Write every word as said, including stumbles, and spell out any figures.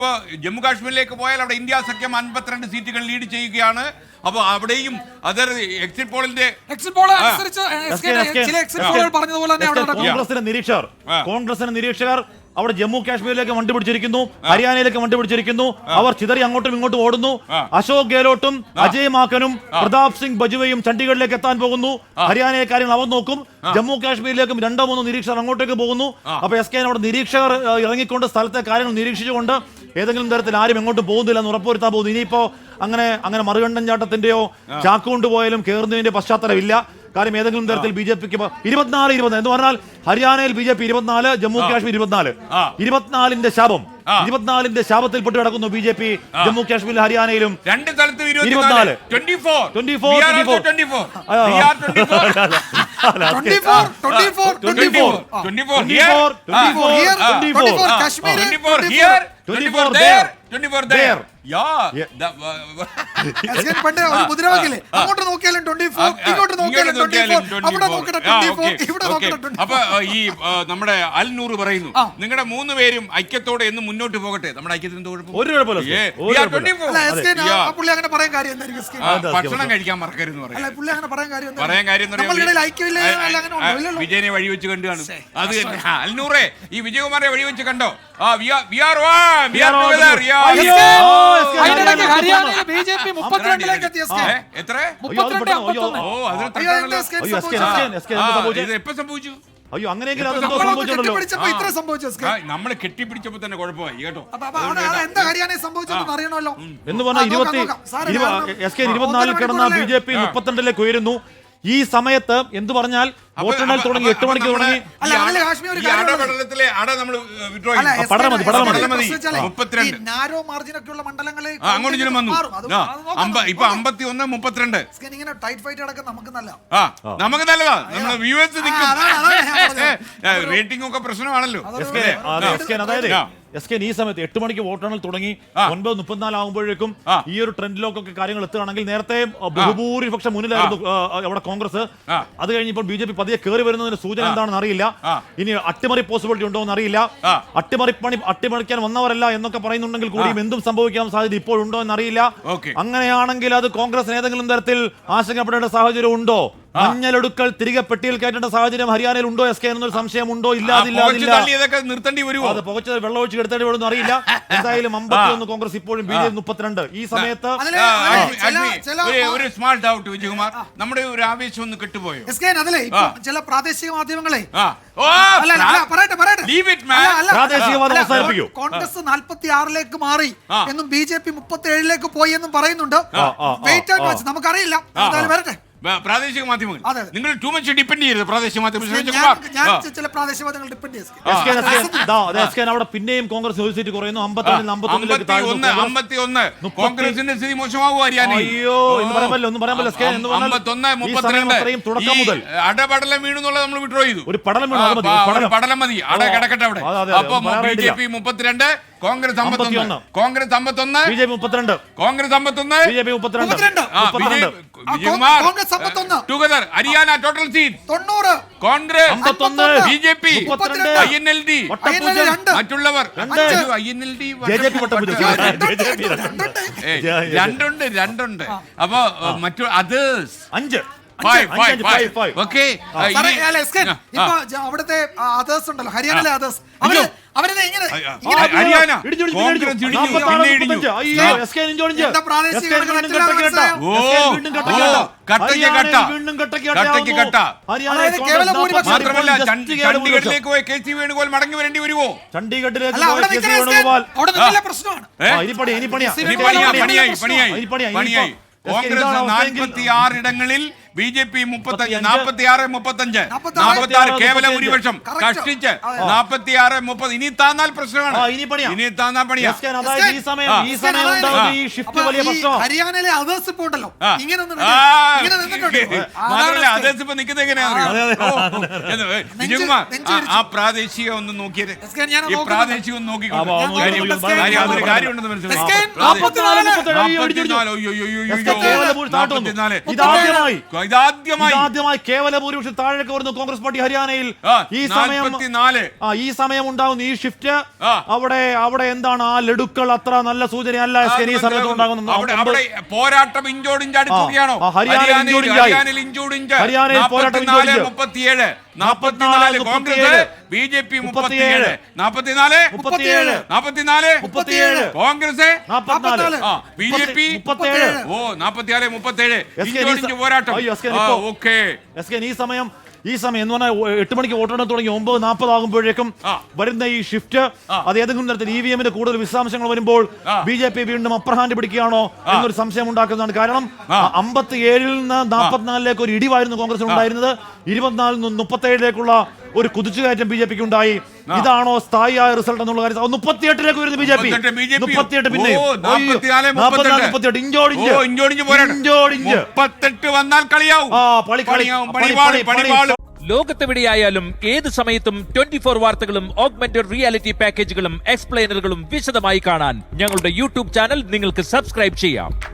ഇപ്പോൾ ജമ്മു കാശ്മീരിലേക്ക് പോയാൽ അവിടെ ഇന്ത്യ സഖ്യം അൻപത്തിരണ്ട് സീറ്റുകൾ ലീഡ് ചെയ്യുകയാണ്. അപ്പോൾ അവിടെയും അതർ എക്സിറ്റ് പോളിന്റെ എക്സിറ്റ് പോൾ അനുസരിച്ച് ചില എക്സിറ്റ് പോളുകൾ പറഞ്ഞതുപോലെ തന്നെ അവിടെ നടക്കും. കോൺഗ്രസിന്റെ നിരീക്ഷകർ കോൺഗ്രസിന്റെ നിരീക്ഷകർ അവിടെ ജമ്മു കാശ്മീരിലേക്ക് വണ്ടി പിടിച്ചിരിക്കുന്നു, ഹരിയാനയിലേക്ക് വണ്ടി പിടിച്ചിരിക്കുന്നു. അവർ ചിതറി അങ്ങോട്ടും ഇങ്ങോട്ടും ഓടുന്നു. അശോക് ഗെഹ്ലോട്ടും അജയ് മാക്കനും പ്രതാപ് സിംഗ് ബജുവയും ചണ്ഡീഗഡിലേക്ക് എത്താൻ പോകുന്നു. ഹരിയാനയിലെ കാര്യങ്ങൾ അവർ നോക്കും. ജമ്മു കാശ്മീരിലേക്കും രണ്ടോ മൂന്നോ നിരീക്ഷകർ അങ്ങോട്ടേക്ക് പോകുന്നു. അപ്പൊ എസ് കെ അവിടെ നിരീക്ഷകർ ഇറങ്ങിക്കൊണ്ട് സ്ഥലത്തെ കാര്യങ്ങൾ നിരീക്ഷിച്ചുകൊണ്ട് ഏതെങ്കിലും തരത്തിൽ ആരും എങ്ങോട്ടും പോകുന്നില്ല എന്ന് ഉറപ്പുവരുത്താൻ പോകുന്നു. ഇനിയിപ്പോ അങ്ങനെ അങ്ങനെ മറുകണ്ഠൻ ചാട്ടത്തിന്റെയോ ചാക്കുകൊണ്ട് പോയാലും കയറുന്നതിന്റെ പശ്ചാത്തലമില്ല. കാര്യം ഏതെങ്കിലും തരത്തിൽ ബി ജെ പിക്ക് ഇരുപത്തിനാല് ഇരുപത്തി എന്ന് പറഞ്ഞാൽ ഹരിയാനയിൽ ബി ജെ പി ഇരുപത്തിനാല്, ജമ്മു കാശ്മീർ ഇരുപത്തിനാല്, ഇരുപത്തിനാലിന്റെ ശാപം ഇരുപത്തിനാലിന്റെ ശാപത്തിൽ പെട്ട് കിടക്കുന്നു ബി ജെ പി ജമ്മു കാശ്മീരിലും ഹരിയാനയിലും. രണ്ട് സ്ഥലത്തും ഇരുപത്തിനാല് മുദ്രാവാക്യല്ലേ അങ്ങോട്ട് നോക്കിയാലും ട്വന്റി ഫോർ ഇങ്ങോട്ട് നോക്കിയാലും ട്വന്റി ഫോർ അവിടെ നോക്കട്ടെ ട്വന്റി ഫോർ ഇവിടെ നോക്കട്ടെ. അപ്പൊ ഈ നമ്മുടെ അൽ നൂറ് പറയുന്നു നിങ്ങളുടെ മൂന്ന് പേരും ഐക്യത്തോടെ എന്ന് മുന്നോട്ട് പോകട്ടെ. നമ്മുടെ ഐക്യത്തിന് ഭക്ഷണം കഴിക്കാൻ മറക്കരുതെന്ന് പറയാൻ കാര്യം വിജയനെ വഴിവെച്ച് കണ്ടു കാണും. അത് അൽനൂറെ ഈ വിജയകുമാറെ വഴിവെച്ച് കണ്ടോ? എത്ര എപ്പോ സംഭവിച്ചു? അയ്യോ അങ്ങനെയെങ്കിൽ നമ്മള് കെട്ടിപ്പിടിച്ചപ്പോ തന്നെ കുഴപ്പമായി കേട്ടോ. എന്ന് പറഞ്ഞാൽ ഇരുപത്തി എസ് കെ ഇരുപത്തിനാലിൽ കിടന്ന ബി ജെ പി മുപ്പത്തിരണ്ടിലേക്ക് ഉയരുന്നു. ഈ സമയത്ത് എന്ത് പറഞ്ഞാൽ വോട്ടെണ്ണൽ തുടങ്ങി എട്ട് മണിക്ക് തുടങ്ങി. ഇപ്പൊ അമ്പത്തി ഒന്ന് മുപ്പത്തിരണ്ട് നമുക്ക് നല്ലതാ. നമ്മുടെ വ്യൂവേഴ്സ് റേറ്റിംഗ് ഒക്കെ പ്രശ്നമാണല്ലോ. അതായത് എസ് കെ ഈ സമയത്ത് എട്ട് മണിക്ക് വോട്ടെണ്ണൽ തുടങ്ങി ഒൻപത് മുപ്പത്തിനാല് ആകുമ്പോഴേക്കും ഈ ഒരു ട്രെൻഡിലൊക്കെ കാര്യങ്ങൾ എത്തുകയാണെങ്കിൽ നേരത്തെ ബഹുഭൂരിപക്ഷം മുന്നിലായിരുന്നു അവിടെ കോൺഗ്രസ്. അത് കഴിഞ്ഞപ്പോൾ ബി ജെ പി പതിയെ കയറി വരുന്നതിന്റെ സൂചന എന്താണെന്ന് അറിയില്ല. ഇനി അട്ടിമറി പോസിബിലിറ്റി ഉണ്ടോ എന്ന് അറിയില്ല. അട്ടിമറി പണി അട്ടിമറിക്കാൻ വന്നവരല്ല എന്നൊക്കെ പറയുന്നുണ്ടെങ്കിൽ കൂടിയും എന്തും സംഭവിക്കാൻ സാധ്യത ഇപ്പോഴുണ്ടോ എന്നറിയില്ല. അങ്ങനെയാണെങ്കിൽ അത് കോൺഗ്രസിന് ഏതെങ്കിലും തരത്തിൽ ആശങ്കപ്പെടേണ്ട സാഹചര്യം ഉണ്ടോ? മഞ്ഞളൊടുക്കൽ തിരികെ പെട്ടിയിൽ കയറ്റേണ്ട സാഹചര്യം ഹരിയാനയിൽ ഉണ്ടോ എസ് കെ എന്നൊരു സംശയമുണ്ടോ? നിർത്തേണ്ടി വരുമോ? അത് പുകച്ച് വെള്ളമൊഴിച്ച് എടുത്തേണ്ടി വരുമെന്ന് അറിയില്ല. എന്തായാലും അമ്പത്തിയൊന്ന് കോൺഗ്രസ് ഇപ്പോഴും ബി ജെ പി മുപ്പത്തിരണ്ട്. ഈ സമയത്ത് ഒരു സ്മാർട്ട് ഔട്ട് വിജയകുമാർ നമ്മുടെ ഒരു ആവേശം ഒന്ന് കെട്ടുപോയോ? ചില പ്രാദേശിക മാധ്യമങ്ങളെ കോൺഗ്രസ് നാൽപ്പത്തി ആറിലേക്ക് മാറി എന്നും ബി ജെ പി മുപ്പത്തി ഏഴിലേക്ക് പോയി എന്നും പറയുന്നുണ്ട്. വെയിറ്റ് ആൻഡ് വാച്ച്, നമുക്കറിയില്ല. വരട്ടെ പ്രാദേശിക മാധ്യമങ്ങൾ നിങ്ങൾ ടു മച്ച് ഡിപ്പെൻഡ് ചെയ്യരുത്. പ്രാദേശിക മാധ്യമങ്ങൾ അവിടെ പിന്നെയും കോൺഗ്രസ് ഒരു സീറ്റ് കുറയുന്നു. കോൺഗ്രസിന്റെ സ്ഥിതി മോശമാവും. അയ്യോ എന്ന് പറയാമല്ലോ ഒന്നും പറയാമല്ലോ. തുടക്കം മുതൽ അടപടലം വീണെന്നുള്ളത് നമ്മൾ വിഡ്രോ ചെയ്തു. ഒരു പടലം പടലം മതി, അട കിടക്കട്ടെ അവിടെ. അപ്പൊ ബി ജെ പി മുപ്പത്തിരണ്ട്, കോൺഗ്രസ് അമ്പത്തൊന്ന്, കോൺഗ്രസ് അമ്പത്തൊന്ന്, ബി ജെ പി മുപ്പത്തിരണ്ട്, കോൺഗ്രസ് അമ്പത്തൊന്ന്, ബി ജെ പി മുപ്പത്തിരണ്ട്, ടുഗദർ ഹരിയാന ടോട്ടൽ സീറ്റ് തൊണ്ണൂറ്, കോൺഗ്രസ് അമ്പത്തൊന്ന്, B J P I N L D മറ്റുള്ളവർ ഐ എൻ എൽ ഡി രണ്ടുണ്ട് രണ്ടുണ്ട്. അപ്പൊ മറ്റു അതേഴ്സ് അഞ്ച്. അവിടുത്തെ അതേഴ്സ് ഉണ്ടല്ലോ, ഹരിയാനയിലെ അതേഴ്സ് മാത്രമല്ല ചണ്ഡീഗഡിലേക്ക് പോയി കെ സി വേണുഗോപാൽ മടങ്ങി വരേണ്ടി വരുമോ? ചണ്ഡീഗഡിലേക്ക് കോൺഗ്രസ് നാൽപ്പത്തി ആറ് ഇടങ്ങളിൽ ബി ജെ പി മുപ്പത്തഞ്ച്, നാൽപ്പത്തി ആറ് മുപ്പത്തഞ്ച്, നാൽപ്പത്തി ആറ് കേവല ഭൂരിപക്ഷം കഷ്ടിച്ച് നാൽപ്പത്തി ആറ് മുപ്പത്. ഇനി താന്നാൽ പ്രശ്നമാണ്. ഇനി താന്നാൽ പണിയാ. ഹരിയാനയിലെ അതേഴ്സ് ഇപ്പൊ ഉണ്ടല്ലോ, മാത്രമല്ല അതേഴ്സ് ഇപ്പൊ നിൽക്കുന്നത് എങ്ങനെയാണെന്ന് വിജയകുമാർ ആ പ്രാദേശിക ഒന്ന് നോക്കിയത്. ഈ പ്രാദേശിക ഒന്ന് നോക്കിക്കോട്ടെ. കാര്യമുണ്ടെന്ന് മനസ്സിലായി. ഇതാദ്യമായി ആദ്യമായി കേവല ഭൂരിപക്ഷം താഴേക്ക് വരുന്നു കോൺഗ്രസ് പാർട്ടി ഹരിയാനയിൽ. ആ, ഈ സമയം നാൽപ്പത്തിനാല്. ആ ഈ സമയം ഉണ്ടാകുന്ന ഈ ഷിഫ്റ്റ് ആ. അവിടെ അവിടെ എന്താണ് ആ ലഡുക്കൾ അത്ര നല്ല സൂചനയല്ല എസ് കെ. ഈ സമയത്ത് ഉണ്ടാകുന്ന അവിടെ അവിടെ പോരാട്ടം ഇഞ്ചോടിഞ്ച് അടുക്കുകയാണോ? ആ, ഹരിയാനയിൽ ഇഞ്ചോടിഞ്ചായി. ഹരിയാനയിൽ ഇഞ്ചോടിഞ്ച്. ഹരിയാനയിൽ പോരാട്ടം നാൽപ്പത്തിനാല് ഇഞ്ചോടിഞ്ച്. മുപ്പത്തിയേഴ് നാൽപ്പത്തിനാല് കോൺഗ്രസ്, ബി ജെ പി മുപ്പത്തിയേഴ്. നാൽപ്പത്തിനാല് മുപ്പത്തിയേഴ്. നാൽപ്പത്തിനാല് മുപ്പത്തിയേഴ്. കോൺഗ്രസ്, നാൽപ്പത്തിനാല്. ആ ബി ജെ പി മുപ്പത്തിയേഴ്. ഓ നാൽപ്പത്തിനാല് മുപ്പത്തിയേഴ്. എസ് കെ ഇഞ്ചോടിഞ്ച് പോരാട്ടം. അയ്യോ, എസ് കെ ആ, ഇപ്പോ- ഓക്കേ. എസ് കെ ഈ സമയം ഈ സമയം എന്ന് പറഞ്ഞാൽ എട്ട് മണിക്ക് വോട്ടെണ്ണൽ തുടങ്ങി ഒമ്പത് നാൽപ്പത് ആകുമ്പോഴേക്കും ആ. വരുന്ന ഈ ഷിഫ്റ്റ് അത് ഏതെങ്കിലും തരത്തിൽ ഇ വി എമ്മിന്റെ കൂടുതൽ വിശദാംശങ്ങൾ വരുമ്പോൾ ആ. ബി ജെ പി വീണ്ടും അപ്പർ ഹാൻഡ് പിടിക്കുകയാണോ എന്നൊരു സംശയം ഉണ്ടാക്കുന്നതാണ്. കാരണം അമ്പത്തി ഏഴിൽ നിന്ന് നാൽപ്പത്തിനാലിലേക്ക് ഒരു ഇടിവായിരുന്നു കോൺഗ്രസ് ഉണ്ടായിരുന്നത്. ഇരുപത്തിനാലിൽ നിന്ന് മുപ്പത്തേഴിലേക്കുള്ള ഒരു കുതിച്ചുകയറ്റം ബി ജെ പിക്ക് ഉണ്ടായി. ഇതാണോ സ്ഥായിയായ റിസൾട്ട് എന്നുള്ള കാര്യം? മുപ്പത്തിയെട്ടിലേക്ക് വരുന്നു ബി ജെ പി. മുപ്പത്തിയെട്ട് പിന്നെ മുപ്പത്തിയെട്ട് ഇഞ്ചോടിഞ്ച് ഇഞ്ചോടിഞ്ച് പോരാട്ടം. ഇഞ്ചോടിഞ്ച് മുപ്പത്തെട്ട് വന്നാൽ കളിയാവും. ആ പളി കളി പണിയാവും, പണിപാളും, പണിപാളും. ലോകത്തെവിടെയായാലും ഏത് സമയത്തും ട്വന്റി ഫോർ വാർത്തകളും ഓഗ്മെന്റഡ് റിയാലിറ്റി പാക്കേജുകളും എക്സ്പ്ലെയിനറുകളും വിശദമായി കാണാൻ ഞങ്ങളുടെ യൂട്യൂബ് ചാനൽ നിങ്ങൾക്ക് സബ്സ്ക്രൈബ് ചെയ്യാം.